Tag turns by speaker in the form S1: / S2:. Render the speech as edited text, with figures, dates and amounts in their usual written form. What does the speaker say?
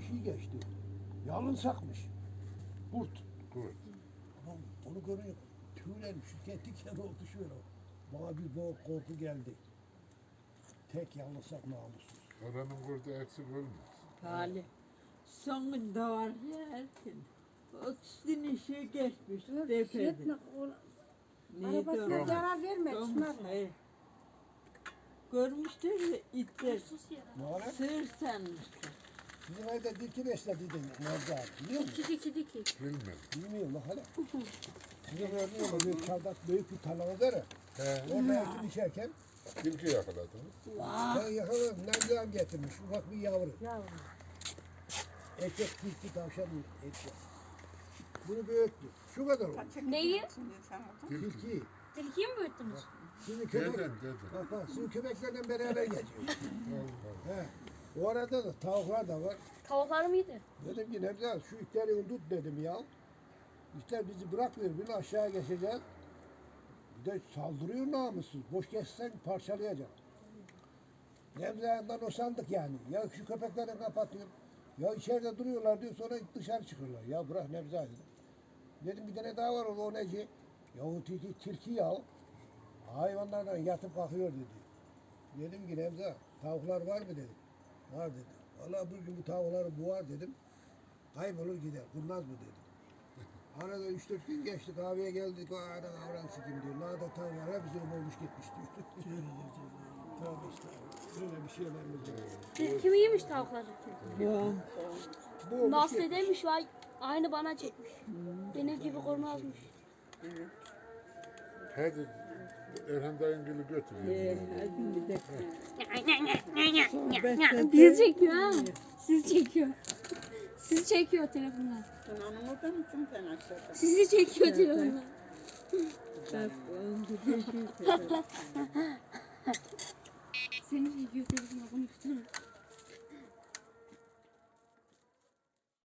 S1: şey geçti. Yalın sakmış. Kurt.
S2: Kurt.
S1: Tamam, onu görüyor. Tüylerim şu diken oldu şöyle. Bana bir boğuk korku geldi. Tek yalnızsak namussuz.
S2: Oranın kurdu eksik olmaz.
S3: Talih. Sonunda var ya Erkin. 30 dinişi geçmiş. Tepede. Neydi
S4: Arabasına
S3: o?
S4: zarar verme. Çınar.
S3: Hayır. Görmüştür ya itler.
S1: Ne var?
S3: Sığır sanmıştır.
S1: Bizim evde diki beslediydin Nerede abi biliyor musun?
S4: Diki.
S2: Bilmem.
S1: Bilmiyorum lan hala. Sizin gördüğünüz gibi büyük çardak büyük bir tarlamız var ya.
S2: He.
S1: Orada ekim içerken
S2: Tilki yakaladınız.
S1: ben yakaladım. Nereden getirmiş ufak bir yavru.
S4: Yavrum.
S1: Erkek tilki tavşan erkek. Bunu büyüttü. Şu kadar oldu.
S4: Neyi?
S2: Tilki.
S1: Tilki.
S4: Tilkiyi mi büyüttünüz?
S1: Şimdi köpek.
S2: Deden.
S1: Bak sizin köpeklerle beraber geziyor.
S2: Allah.
S1: He. O arada da tavuklar da var.
S4: Tavuklar mıydı?
S1: Dedim ki Nevzat şu itleri tut dedim ya. İtler bizi bırakmıyor. Bir aşağı geçeceğiz. Bir de saldırıyor namussuz. Boş geçsen parçalayacak. Nevzat'dan o sandık yani. Ya şu köpekleri kapatıyor. Ya içeride duruyorlar diyor sonra dışarı çıkıyorlar. Ya bırak Nevzat dedim. Dedim bir tane daha var o neci? Ya o tilki ya. Hayvanlarla yatıp kalkıyor dedi. Dedim ki Nevzat tavuklar var mı dedim. Var dedi. Vallahi bugün bu tavukları boğar dedim. Kaybolur gider. Kurnaz mı dedim. Arada 3-4 gün geçti kahveye geldik. O arada avran sikim diyor. Nada tavuklar hepsini boğmuş gitmiş diyor. Tövbe estağfurullah. Böyle bir şeylerimiz var.
S5: Kim iyiymiş tavukları?
S1: Boğmuş
S5: Nasıl
S1: gitmiş.
S5: demiş vay aynı bana çekmiş. Benim gibi kornazmış.
S2: Hadi Erhan dayın gülü götürüyor.
S3: Hadi bir dakika.
S5: Bizi çekiyor ha. Sizi çekiyor. Sizi çekiyor telefonlar.
S6: Anam orada mısın sen aşağıda?
S5: Sizi çekiyor telefonlar.
S3: Bak, onu da çekiyor.
S5: Seni çekiyor telefonlar.